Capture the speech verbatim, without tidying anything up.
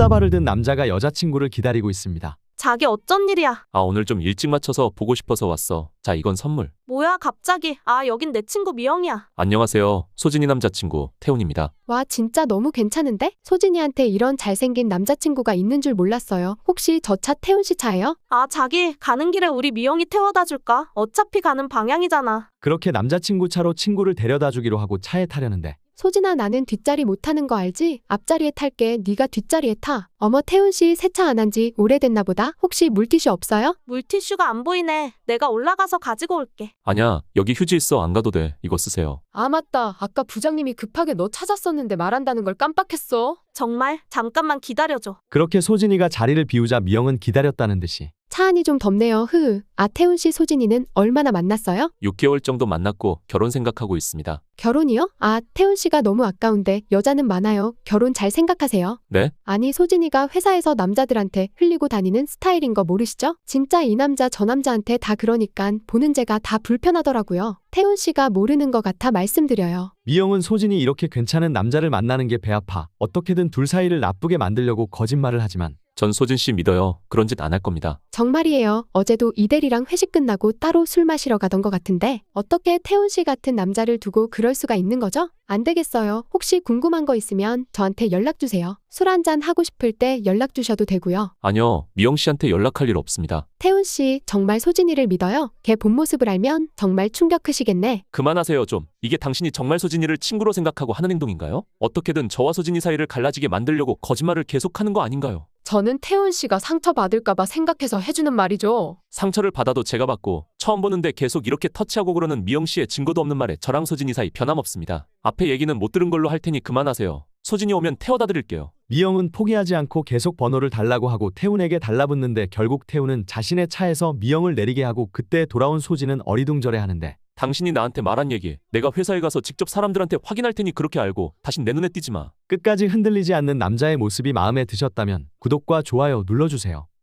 꽃다발을 든 남자가 여자친구를 기다리고 있습니다. 자기 어쩐 일이야? 아, 오늘 좀 일찍 맞춰서 보고 싶어서 왔어. 자, 이건 선물. 뭐야 갑자기? 아 여긴 내 친구 미영이야. 안녕하세요. 소진이 남자친구 태훈입니다. 와, 진짜 너무 괜찮은데? 소진이한테 이런 잘생긴 남자친구가 있는 줄 몰랐어요. 혹시 저 차 태훈 씨 차예요? 아 자기 가는 길에 우리 미영이 태워다 줄까? 어차피 가는 방향이잖아. 그렇게 남자친구 차로 친구를 데려다 주기로 하고 차에 타려는데 소진아, 나는 뒷자리 못 타는 거 알지? 앞자리에 탈게. 네가 뒷자리에 타. 어머, 태훈 씨 세차 안 한 지 오래됐나 보다. 혹시 물티슈 없어요? 물티슈가 안 보이네. 내가 올라가서 가지고 올게. 아냐, 여기 휴지 있어. 안 가도 돼. 이거 쓰세요. 아, 맞다. 아까 부장님이 급하게 너 찾았었는데 말한다는 걸 깜빡했어. 정말? 잠깐만 기다려줘. 그렇게 소진이가 자리를 비우자 미영은 기다렸다는 듯이 차 안이 좀 덥네요. 흐. 아, 태훈 씨 소진이는 얼마나 만났어요? 육 개월 정도 만났고 결혼 생각하고 있습니다. 결혼이요? 아, 태훈 씨가 너무 아까운데 여자는 많아요. 결혼 잘 생각하세요. 네? 아니, 소진이가 회사에서 남자들한테 흘리고 다니는 스타일인 거 모르시죠? 진짜 이 남자 저 남자한테 다 그러니깐 보는 제가 다 불편하더라고요. 태훈 씨가 모르는 것 같아 말씀드려요. 미영은 소진이 이렇게 괜찮은 남자를 만나는 게 배 아파 어떻게든 둘 사이를 나쁘게 만들려고 거짓말을 하지만 전 소진 씨 믿어요. 그런 짓 안 할 겁니다. 정말이에요. 어제도 이대리랑 회식 끝나고 따로 술 마시러 가던 것 같은데 어떻게 태훈 씨 같은 남자를 두고 그럴 수가 있는 거죠? 안 되겠어요. 혹시 궁금한 거 있으면 저한테 연락 주세요. 술 한잔 하고 싶을 때 연락 주셔도 되고요. 아니요, 미영 씨한테 연락할 일 없습니다. 태훈 씨 정말 소진이를 믿어요? 걔 본 모습을 알면 정말 충격 크시겠네. 그만하세요 좀. 이게 당신이 정말 소진이를 친구로 생각하고 하는 행동인가요? 어떻게든 저와 소진이 사이를 갈라지게 만들려고 거짓말을 계속하는 거 아닌가요? 저는 태훈 씨가 상처받을까봐 생각해서 해주는 말이죠. 상처를 받아도 제가 받고 처음 보는데 계속 이렇게 터치하고 그러는 미영 씨의 증거도 없는 말에 저랑 소진이 사이 변함없습니다. 앞에 얘기는 못 들은 걸로 할 테니 그만하세요. 소진이 오면 태워다 드릴게요. 미영은 포기하지 않고 계속 번호를 달라고 하고 태훈에게 달라붙는데 결국 태훈은 자신의 차에서 미영을 내리게 하고 그때 돌아온 소진은 어리둥절해하는데 당신이 나한테 말한 얘기 내가 회사에 가서 직접 사람들한테 확인할 테니 그렇게 알고 다신 내 눈에 띄지 마. 끝까지 흔들리지 않는 남자의 모습이 마음에 드셨다면 구독과 좋아요 눌러주세요.